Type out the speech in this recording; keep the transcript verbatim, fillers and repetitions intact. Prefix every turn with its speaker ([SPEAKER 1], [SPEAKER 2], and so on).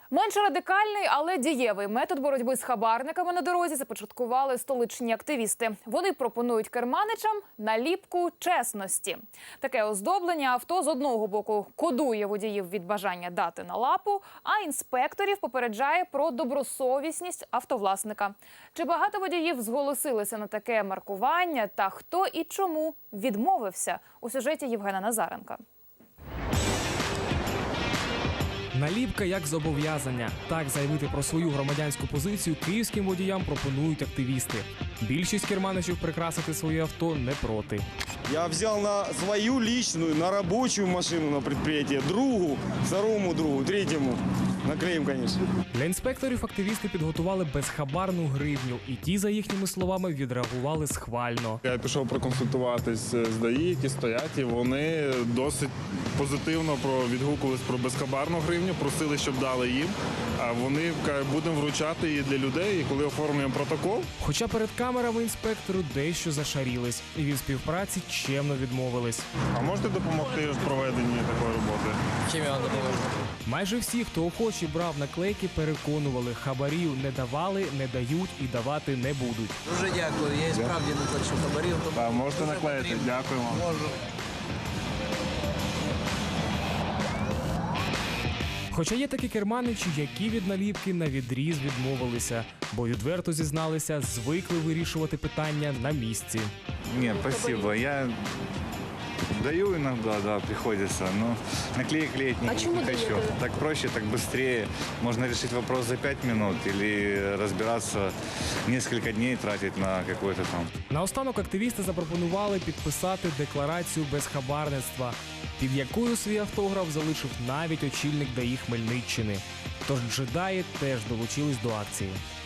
[SPEAKER 1] Менш радикальний, але дієвий метод боротьби з хабарниками на дорозі започаткували столичні активісти. Вони пропонують керманичам наліпку чесності. Таке оздоблення авто з одного боку кодує водіїв від бажання дати на лапу, а інспекторів попереджає про добросовісність автовласника. Чи багато водіїв зголосилися на таке маркування та хто і чому відмовився? У сюжеті Євгена Назаренка.
[SPEAKER 2] Наліпка як зобов'язання. Так заявити про свою громадянську позицію київським водіям пропонують активісти. Більшість керманичів прикрасити своє авто не проти.
[SPEAKER 3] Я взял на свою личную, на рабочую машину на предприятие, другу, второму другу, третьему. Наклеим, конечно.
[SPEAKER 2] Для інспекторів активісти підготували безхабарну гривню, і ті, за їхніми словами, відреагували схвально.
[SPEAKER 4] Я пішов проконсультуватись з ДАІ, які стоять, і вони досить позитивно про відгукувались про безхабарну гривню, просили, щоб дали їм. А вони кажуть, будемо вручати її для людей, і коли оформлюємо протокол.
[SPEAKER 2] Хоча перед камерами інспектору дещо зашарілись, і від співпраці чемно відмовились.
[SPEAKER 4] А можете допомогти в проведенні такої роботи?
[SPEAKER 5] Чим я вам допоможу?
[SPEAKER 2] Майже всі, хто охоче брав наклейки, переконували, хабарів не давали, не дають і давати не будуть.
[SPEAKER 5] Дуже дякую, я і справді не плачу хабарів. тому
[SPEAKER 4] А можете
[SPEAKER 5] дуже
[SPEAKER 4] наклеїти?
[SPEAKER 5] потрібно.
[SPEAKER 4] Дякуємо.
[SPEAKER 5] Можу.
[SPEAKER 2] Хоча є такі керманичі, які від наліпки на відріз відмовилися, бо відверто зізналися, звикли вирішувати питання на місці.
[SPEAKER 6] Нет, спасибо. Я даю иногда, да, приходится, но наклеек клеить не,
[SPEAKER 7] А
[SPEAKER 6] не хочу. Так проще, так быстрее. Можно решить вопрос за пять минут или разбираться несколько дней тратить на какой-то там.
[SPEAKER 2] Наостанок активісти запропонували підписати декларацію безхабарництва, під якою свій автограф залишив навіть очільник ДАІ Хмельниччини. Тож джедаї теж долучились до акції.